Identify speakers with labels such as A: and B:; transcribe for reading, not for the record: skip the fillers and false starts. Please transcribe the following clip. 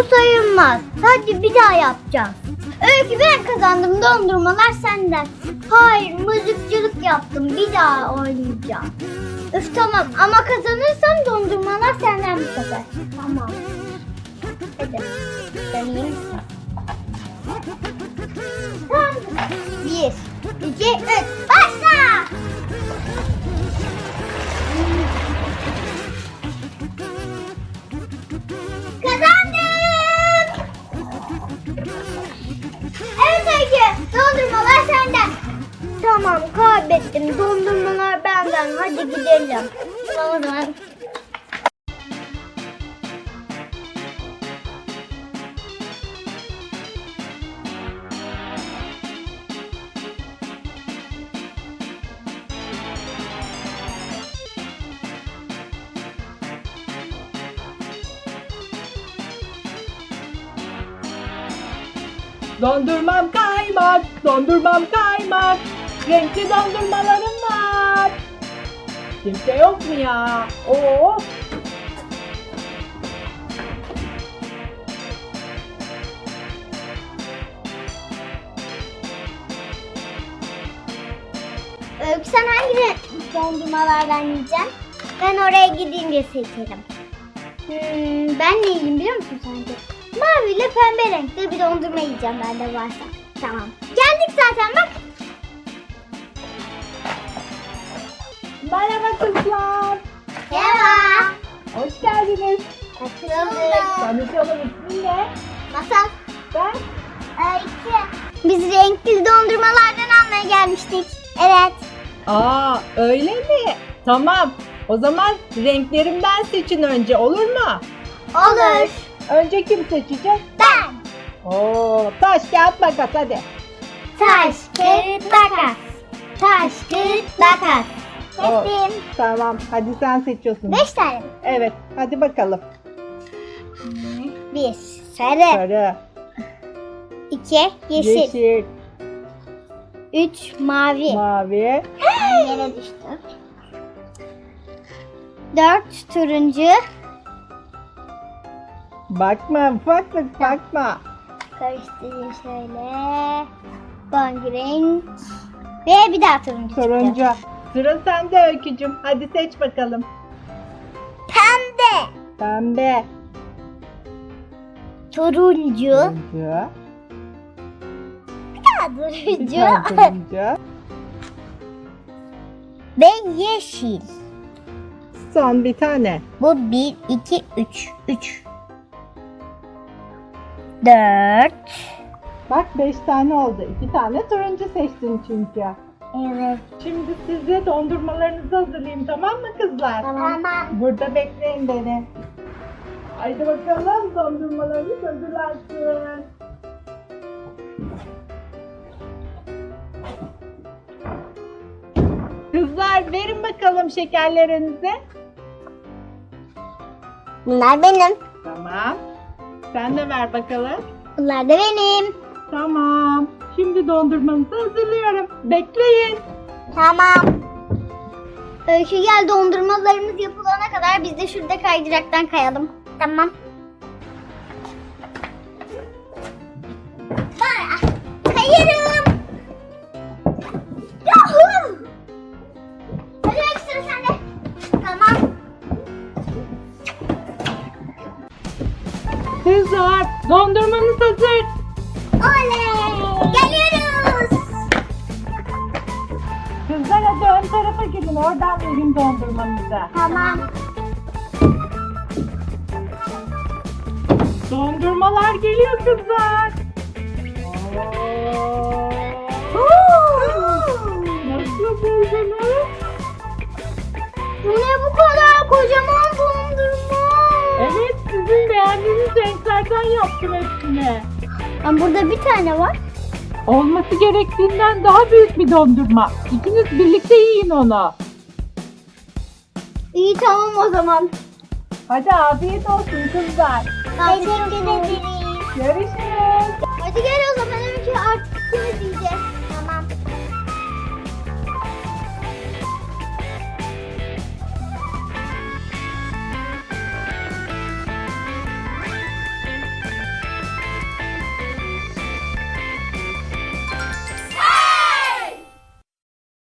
A: sayılmaz. Hadi bir daha yapacağız. Öykü ben kazandım, dondurmalar senden. Hayır, mızıkçılık yaptım, bir daha oynayacağım. Üf tamam ama kazanırsam dondurmalar senden bu sefer. Tamam. Hadi. Deneyeyim. Tamam. 1, 2, 3, başla! Kazandım! Evet Öykü, dondurmalar senden. Tamam, kaybettim. Dondurmalar benden. Hadi gidelim. Tamam o zaman.
B: Dondurmam kaymak, dondurmam kaymak. Renkli dondurmalarım var. Kimse yok mu ya? Oo.
A: Öykü sen hangi dondurmalardan yiyeceksin? Ben oraya gidince seçerim. Ben ne yiyeyim biliyor musun sence? Mavi ile pembe renkte bir dondurma yiyeceğim ben de varsa. Tamam. Geldik zaten bak.
B: Merhaba kızlar.
A: Merhaba.
B: Hoş geldiniz.
A: Açıldık.
B: Tanışalım, ismin ne?
A: Masal.
B: Ben.
A: Öykü. Biz renkli dondurmalardan almaya gelmiştik. Evet.
B: Aa, öyle mi? Tamam. O zaman renklerimden seçin önce, olur mu?
A: Olur.
B: Önce kim seçecek?
A: Ben.
B: Oo, taş kağıt makas hadi.
A: Taş, kağıt, makas. Taş, kağıt, makas. Seçtim.
B: Tamam, hadi sen seçiyorsun.
A: 5 tane.
B: Evet, hadi bakalım.
A: 1. Sarı.
B: Sarı,
A: 2. Yeşil.
B: yeşil,
A: 3. Mavi.
B: mavi,
A: Yere düştü. 4. Turuncu.
B: bakma ufaklık bakma.
A: Karıştırayım şöyle. Bangi renk. Ve bir daha turuncu çıktı.
B: Turuncu. Sıra sende Öykücüm. Hadi seç bakalım.
A: Pembe.
B: Pembe,
A: Turuncu.
B: turuncu, bir
A: Turuncu.
B: tane turuncu.
A: Ve yeşil.
B: Son bir tane.
A: Bu 1, 2, 3. 3. 4.
B: Bak 5 tane oldu. 2 tane turuncu seçtin çünkü.
A: Evet.
B: Şimdi size dondurmalarınızı hazırlayayım, tamam mı kızlar?
A: Tamam.
B: Burada bekleyin beni. Haydi bakalım, dondurmalarınız hazırlansın. Kızlar verin bakalım şekerlerinizi.
A: Bunlar benim.
B: Tamam. Sen de ver bakalım.
A: Bunlar da benim.
B: Tamam. Şimdi dondurmanızı hazırlıyorum. Bekleyin.
A: Tamam. Öykü gel, dondurmalarımız yapılana kadar biz de şurada kaydıraktan kayalım. Tamam. Kayarım. Yahoo! Hadi Öykü, sıra sende. Tamam.
B: Kızlar dondurmanız hazır.
A: Oley! Geliyoruz.
B: Kızlar hadi ön tarafa gidin. Oradan verin dondurmanızı.
A: Tamam.
B: Dondurmalar geliyor kızlar. Nasıl buldunuz?
A: Bu ne bu kadar kocaman dondurma?
B: Evet, sizin beğendiğiniz renklerden yaptım hepsini.
A: Ama burada bir tane var.
B: Olması gerektiğinden daha büyük bir dondurma. İkiniz birlikte yiyin onu.
A: İyi tamam o zaman.
B: Hadi afiyet olsun kızlar.
A: Teşekkür ederiz.
B: Görüşürüz.
A: Hadi gel o zaman Öykü, artık ikimiz yiyeceğiz.